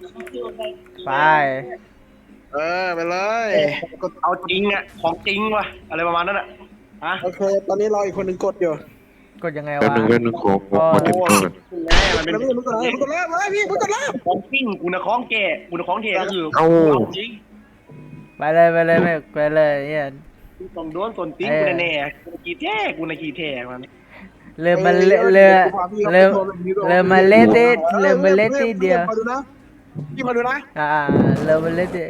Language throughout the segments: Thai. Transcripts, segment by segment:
ไปไปเลยเอาจริงอ่ะของจริงว่ะอะไรประมาณนั้นอ่ะฮะโอเคตอนนี้รออีกคนหนึ่งกดอยู่กดยังไงแป๊บวะนึงแป๊บนึงขอเตรียมตัวก่อนแน่มันเป็นแล้วพี่มึงกดเลยมึงกดเลยมาพี่มึงกดเลยของจริงกูนะของแก่กูนะของแท้ก็คือเอ้าเอาจริงไปเลยไปเลยไปเลยเนี่ยกูต้องโดนส่วนจริงกูแน่ๆกูกี่แท้กูนะกี่แท้มันเริ่มมาเริ่มมาเล่นที่เริ่มมาเล่นที่เดียวมาดูนะพี่มาดูนะเริ่มมาเล่นที่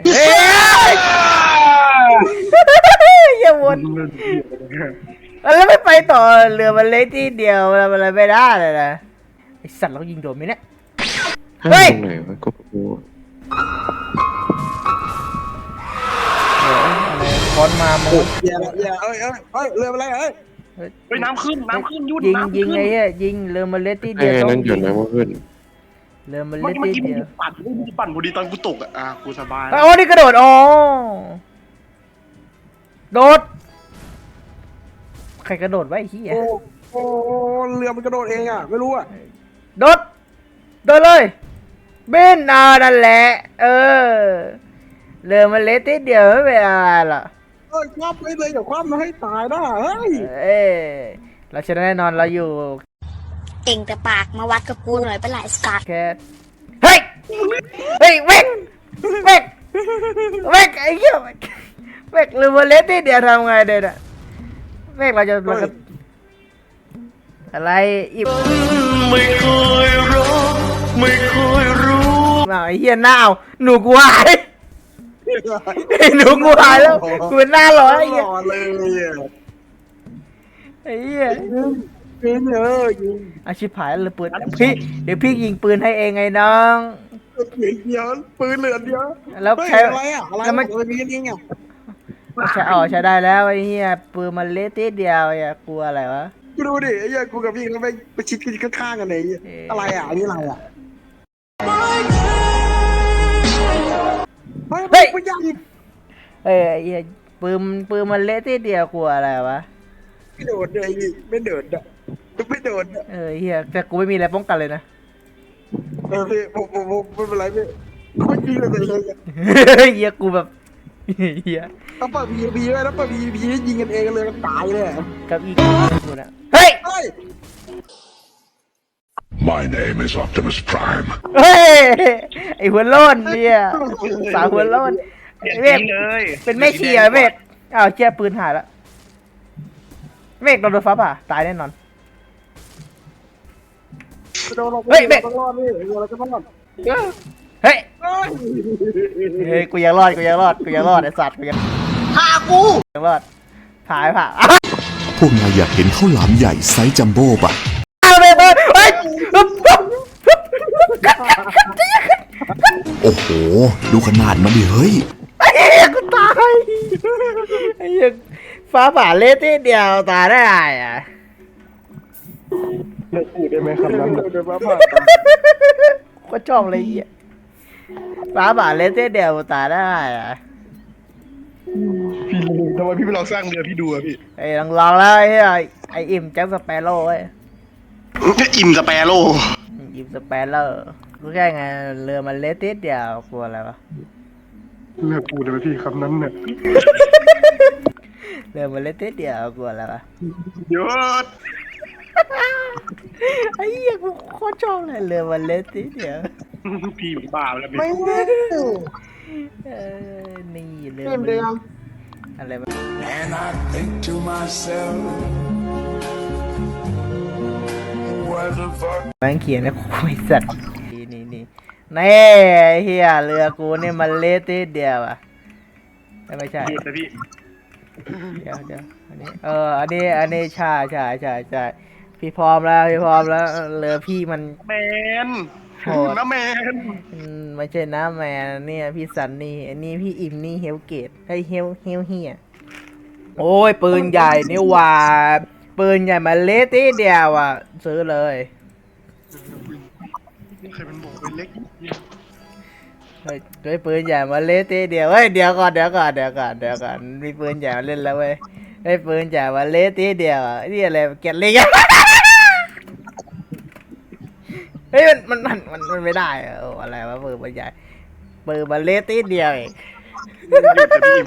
อย่าวนแล้วไม่ไปต่อเรือมันเล่นที่เดียวมันอะไรไม่ได้เลยนะไอสัตว์เรายิงโดนไหมเนี่ย เฮ้ยตรงไหนวะก็กูอะไรค้อนมาโมอย่าเอ้ยเรืออะไรเอ้ยไปน้ำขึ้นยุ่นยิงน้ำยิขึ้งนไงอะยิงเรือมันเล่นที่ไอ้เดียวต้อนั่นงหยุยิดงนะว่าขึ้นเรือมันเมื่เล่อน กี้ที่มึงเดียวปั่นพอดีตอนกูตกอ่ะกูสบายอ๋อนี่กระโดดอ๋อโดดใครกระโดดไว้ไอ้เหี้ยโอ้เรือมันกระโดดเองอ่ะไม่รู้อ่ะโดดโดดเลยบินนั่นแหละเรือมันเล็กนิดเดียวไม่เป็นอะไรหรอกคว่ำไปเลยอย่าคว่ำนะให้ตายนะเฮ้ยเราชนะแน่นอนเราอยู่เก่งแต่ปากมาวัดกับกูหน่อยเป็นไรสกัดแค่เฮ้ยเฮ้ยเวกเวกเวกไอ้เหี้ยเวกเรือมันเล็กนิดเดียวทำไงเด็ดอะเวกเราจะอะไรอีบไม่เคยรู้ไอ้เหี้ยหน้าหนูกูหายหนูกูหายแล้วกูเป็นหน้าร้อยไอ้เหี้ยหล่อเลยไอ้เหี้ยยิงยิงอาชิบหายเลยปืนพี่เดี๋ยวพี่ยิงปืนให้เองไงน้องเดียวปืนเหลือเดียวแล้วใช้อะไรอ่ะอะไรมันยิงอ่ะใช้ได้แล้วไอ้เหี้ยปืนมันเละติดเดียวอย่ากลัวอะไรวะกูดูดิไอ้เหี้ยกูกับพี่เขาไปชิดกันข้างๆกันเลยอะไรอ่ะอันนี้อะไรอ่ะเฮ้ยไม่ยังไอ้เหี้ยปืนมันเละติดเดียวกลัวอะไรวะไม่โดดเลยไม่โดดอ่ะไม่โดดเหี้ยแต่กูไม่มีอะไรป้องกันเลยนะพี่ผมไม่เป็นไรพี่เขายิงเลยเลยเหี้ยกูแบบเหี้ยต้องเปิดพีไว้แล้วเปิดพียิงกันเองเลยตายเลยกับอีกกูนะเฮ้ยเฮ้ย My name is Optimus Prime. เฮ้ยไอ้หัวโล้นเนี่ยสาวหัวโล้นเวกเลยเป็นแม่ชีเหรอเมฆอ้าวเจี๊ยปืนหายแล้วเมฆโดนฟ้าผ่าตายแน่นอนเฮ้ยเด็กต้องรอดนี่เราจะต้องรอดเฮ้ยเฮ้ยกูยังรอดไอ้สัตว์กูยังรอดถ่ายผ่าพวกนายอยากเห็นข้าวหลามใหญ่ไซส์จัมโบ้ปะอ้าวเฮ้ยโอ้โห ดูขนาดมันดิเฮ้ยไอ้เหี้ยกูตายไอ้เหี้ยฟ้าผ่าเละทีเดียวตายได้ไงอ่ะเลิกพูดได้ไหมครับน้ำเดือดมาผ่าก็ชอบเลยเหี้ยฟ้าผ่าเละทีเดียวตายได้ไงอ่ะพี่ทำไมพี่ไปลองสร้างเรือพี่ดูอะพี่ไอ้ลองแล้วไอ้เหี้ยไอ้อิ่มแจ็คสเปโร่เว้ยอิ่มสเปโร่อิ่มสเปโร่รู้แค่ไงเรือมันเละทีเดียวกลัวอะไรวะเลิกพูดได้ไหมพี่คำนั้นเนี่ยเรือมันเละทีเดียวกลัวอะไรวะหยุดไอ้เหี้ยกูโคตรชอบเลยเรือมันเละทีเดียวพี่บ้าแล้วพี่ไม่ได้นี่เรือเต็มมันเดียวอะไรวะ And I think to myself what the fuck แม่งเขียนนะกูไม่สัตว์นี่นี่ไอ้เฮียเรือกูนี่มันเละทีเดียวอ่ะไม่ใช่หยุดนะพี่เดี๋ยวอันนี้อันนี้ใช่พี่พร้อมแล้วเรือพี่มันแมนโหดน้าแมนไม่ใช่นะแมนเนี่ยพี่สันนี่อันนี้พี่อิมนี่เฮลเกตให้เฮลเฮียโอ้ยปืนใหญ่นี่หว่าปืนใหญ่มาเละทีเดียวอ่ะซื้อเลยใครมันบอกเป็นเล็กเฮ้ยด้วยปืนใหญ่มาเละทีเดียวเฮ้ยเดี๋ยวก่อนมีปืนใหญ่มาเล่นแล้วเว้ยได้ปืนใหญ่มาเละทีเดียวอ่ะนี่อะไรเก็ตลิงอะฮ้ยมันไม่ได้อะโอ้อะไรวะปืนมันใหญ่ปืนมันเล็กนิดเดียวเองหยุดแต่พี่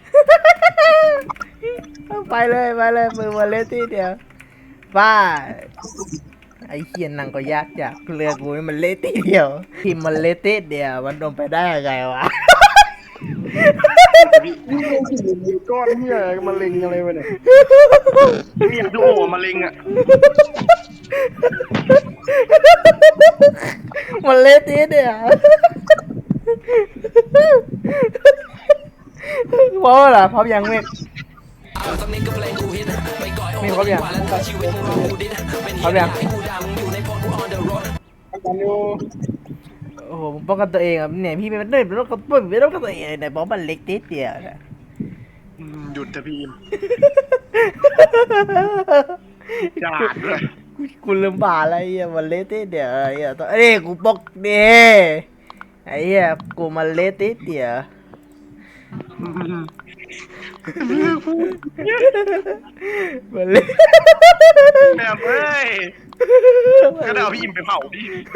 ไปเลยปืนมันเล็กนิดเดียวบ้าไอ้เคียนนังก็ยากจากเรือกูนี่มันเล็กนิดเดียวทีมมันเล็กนิดเดียวมันโดนไปได้ยังไงวะนี่โดนหินก้อนเนี่ยมะเร็งอะไรวะเนี่ยพี่อยากดูโอ้มะเร็งอ่ะมันเล็กนิดเดียวพร้อมเหรอพร้อมยังเมฆมีพร้อมยังพร้อมยังกันอยู่โอ้โหผมป้องกันตัวเองอ่ะเนี่ยพี่ไม่ได้ไม่ต้องกันตัวเองไหนบอกมันเล็กนิดเดียวนะหยุดแต่พี่จาดเลยกูลืมบ่าอะไรอ่ะมันเล็กนิดเดียวไอ้เหี้ยตัวเอ้ยกูบอกเด้ไอ้เหี้ยกูมันเล็กนิดเดียวมันเล็กแม่เอ้ยก็เอาพี่อิมไปเผาพี่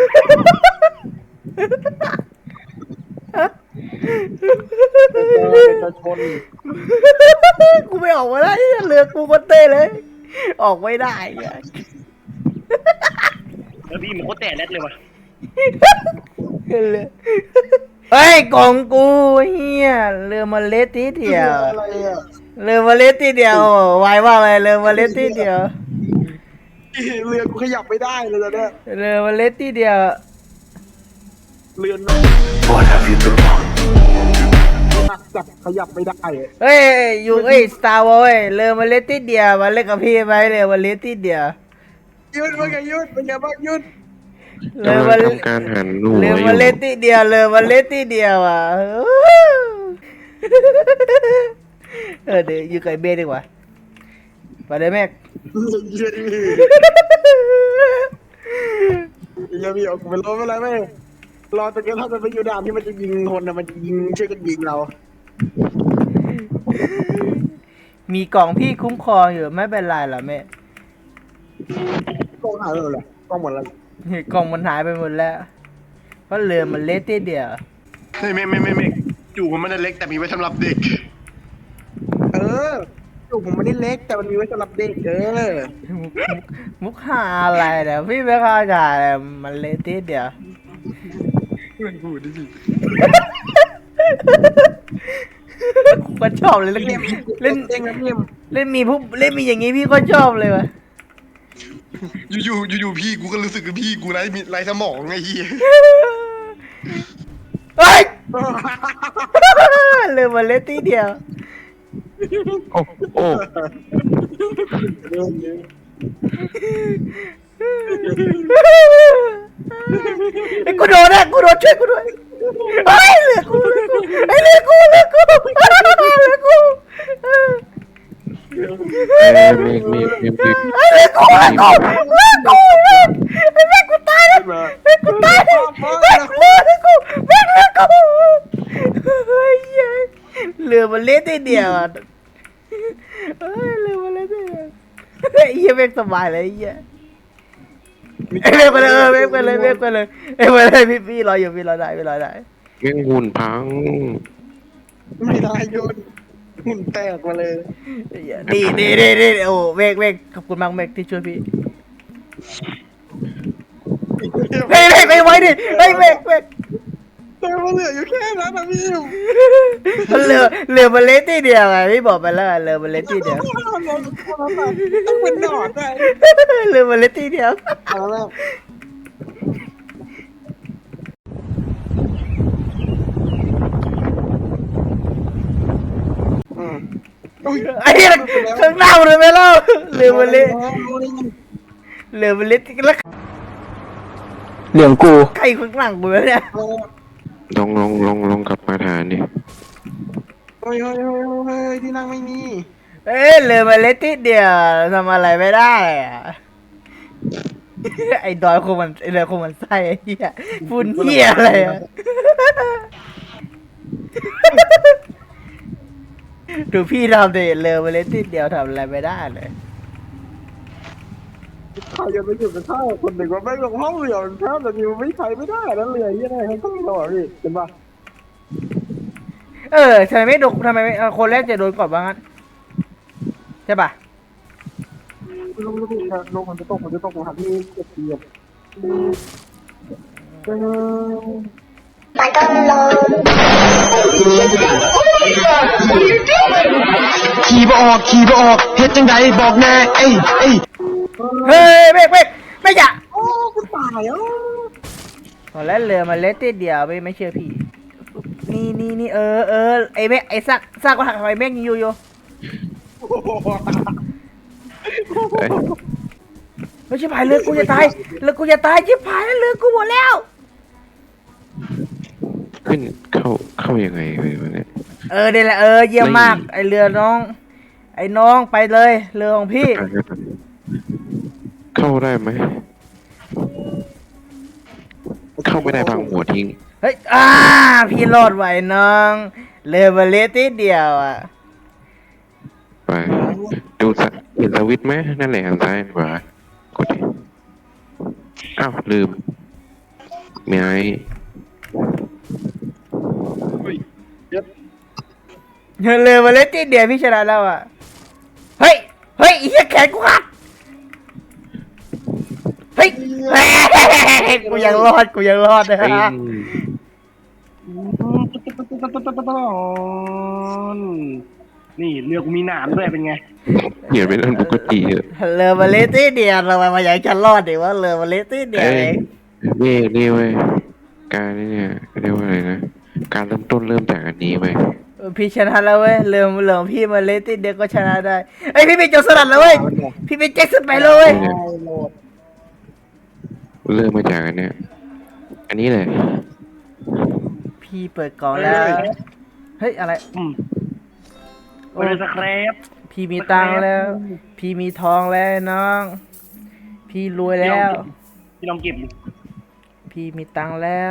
จะชนกูไม่ออกมาได้เรือกูมันเต้เลย ออกไม่ได้อ่ะแล้วพี่มันโคตรแต่แรดเลยว่ะเฮ้ยกล่องกูเฮียเรือมาเล็ดทีเดียวอะไรอ่ะเรือมาเล็ดทีเดียวไวว่าอะไรเรือมาเล็ดทีเดียวเรือกูขยับไม่ได้เลยตอนเนี้ยเรือมาเล็ดทีเดียวเรือน้องจับขยับไม่ได้อะเฮ้ยอยู่สตาร์วอลเรือมาเล็ดทีเดียวมาเล่นกับพี่ไหมเรือมาเล็ดทีเดียวยุดเป็นไงยุดเป็นไงบ้างยุดเรือกำลัมางทำการหันหัวเรืออมายู่เล็ดทีเดียวเรือมาเล็ดทีเดียวอ่ะเดี๋ยวอยู่กับไอ้เบ้ดีกว่าไปเลยแม็กยุดอย่ามีออกไปรอไม่ไรไม่รอตะเกียบถ้ามันไปอยู่ด่านที่มันจะยิงคนนะมันจะยิงช่วยกันยิงเรามีกล่องพี่คุ้มครองอยู่ไม่เป็นไรหรอแม่กล้องหายไปเลยกล้องหมดแล้วกล่องมันหายไปหมดแล้วเพราะเรือมันเล็กทีเดียวเฮ้ยไม่อยู่ผมไม่ได้เล็กแต่มีไว้สำหรับเด็กเออลูกผมไม่ได้เล็กแต่มันมีไว้สำหรับเด็กมุกหาอะไรเนี่ยพี่ไม่เข้าใจเลยมันเล็กทีเดียวพูดดิสิกูก็ชอบเลยเล่นเล่นเองนะเนี่ยเล่นมีพวกเล่นมีอย่างงี้พี่ก็ชอบเลยวะอยู่พี่กูก็รู้สึกว่าพี่กูไร้สมองไงเฮียเฮ้ยเรือมันเล็กทีเดียวโอ้โอ้ไอ้กูโดนนะกูโดนช่วยกูด้วยเฮ้ยเรือกูไอ้เรือกูเมฆไอ้แม่กูตายแล้วแม่กูตายแล้วแม่กูเรือมันเล็กทีเดียวเฮ้ยเรือมันเล็กทีเดียวไอ้เหี้ยแม่งสบายเลยไอ้เหี้ยเว้ยไปเลยเว้ยไปเลยพี่รออยู่พี่รอได้แม่งหุ่นพังไม่ได้ยุดหุ่นแตกมาเลยดีโอ้เวกขอบคุณมากเวกที่ช่วยพี่เฮ้ยไปไว้ดิเฮ้ยเวกแต่มันเหลืออยู่แค่นั้นนะพี่เรือมันเล็กทีเดียวไงพี่บอกไปแล้วเรือมันเล็กทีเดียวต้องเป็นหนอนได้เรือมันเล็กทีเดียวเอาแล้วไอ้เหี้ยข้างหน้ามันเลยไม่เล่าเรือมันเล็กแล้วเรื่องกูใครข้างหลังกูเนี่ยลองกลับมาฐานดิเฮ้ยที่นั่งไม่มีเอ้ยเรือมันเล็กทีเดียวทำอะไรไม่ได้อะไอ้ดอยคงมันไอ้เรือคงมันไส้ไอ้เหี้ยฝุ่นเหี้ยอะไรอะ ดูพี่ทำดิเรือมันเล็กทีเดียวทำอะไรไม่ได้เลยใครจะไปอยู่กับข้าวคนหนึ่งว่าไม่ลงห้องเรือมันแทบจะมีไม่ใช้ไม่ได้แล้วเรือยังไงทั้งเราอ่ะพี่เห็นปะทำไมไม่โดนทำไมไม่คนแรกจะโดนก่อนบ้างงั้นใช่ปะลงมันจะตกผมหาที่เก็บเกียบขี่บ่ออกเฮ็ดจังไดบอกแน่เอ้ยเฮ้ยไม่อยากโอ้กูตายอ่ะตอนแรกเรือมันเล็กนิดเดียวไม่เชื่อพี่นี่ไอ้เมฆไอ้ซากก็หักทำไมเมฆยิงอยู่เอ้ยไม่ใช่พายเรือกูจะตายชิบหายแล้วเรือกูหมดแล้วขึ้นเข้ายังไงวะเนี่ยนี่แหละเยี่ยมมากไอเรือน้องไอ้น้องไปเลยเรือของพี่เข้าได้ไหมเข้าไม่ได้บางหัวทิ้งเฮ้ยพี่รอดไหวน้องเรือมาเล็กนิดเดียวอ่ะไปดูเห็นสวิตช์ไหมนั่นแหละหันซ้ายขวากดดิอ้าวลืมมีไอ้เรือมาเล็กนิดเดียวพี่ชนะแล้วอ่ะเฮ้ยไอ้เหี้ยแขนกูขาดเฮ้ยกูยังรอดนะไอ้ฮะนี่เรือกูมีหนามด้วยเป็นไงเหี้ยเป็นเรื่องปกติเหรอเรือมาเล็กนิดเดียวทำไมมาอยากจะรอดดิว่าเรือมาเล็กนิดเดียวเอ้เอย งนี่เว้ยการนี่เนี่ยเรียกว่าอะไรนะการเริ่มต้นเริ่มจากอันนี้เว้ยพี่ชนะแล้วเว้ยเรือของพี่มาเล็กนิดเดียวก็ชนะได้ไอยพี่เป็นโจรสลัดแล้วเว้ยพี่เป็นแจ็คสันไปเลยเว้ยเริ่มมาจากอันเนี้ยอันนี้เลยพี่เปิดกล่องแล้วเฮ้ยอะไรโอ้ยสครับพี่มีตังค์แล้ว พี่มีทองแล้วน้อง พี่รวยแล้วพี่ลองเก็บดิพี่มีตังค์แล้ว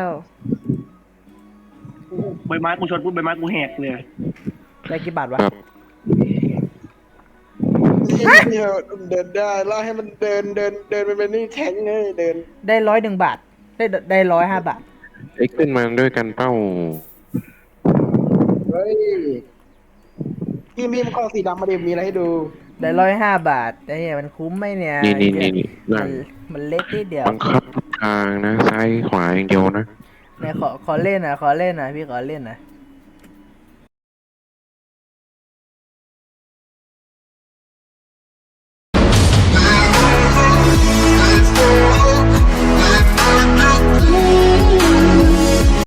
ใบไม้กูชนปุ๊บใบไม้กูแหกเลยได้กี่บาทวะครับนี่เดินได้แล้วให้มันเดินไปเป็นนี่แทงเลยเดินได้101 บาท ได้105 บาทไอ้ขึ้นมาด้วยกันเป้าเฮ้ยพี่มันข้อสีดำมาเดี๋ยวมีอะไรให้ดูได้105 บาทไอ้เนี่ยมันคุ้มไหมเนี่ยนี่มันเล็กนิดเดียวบังคับทุกทางนะซ้ายขวาอย่างเดียวนะเนี่ยขอเล่นหน่อยพี่ขอเล่นหน่อย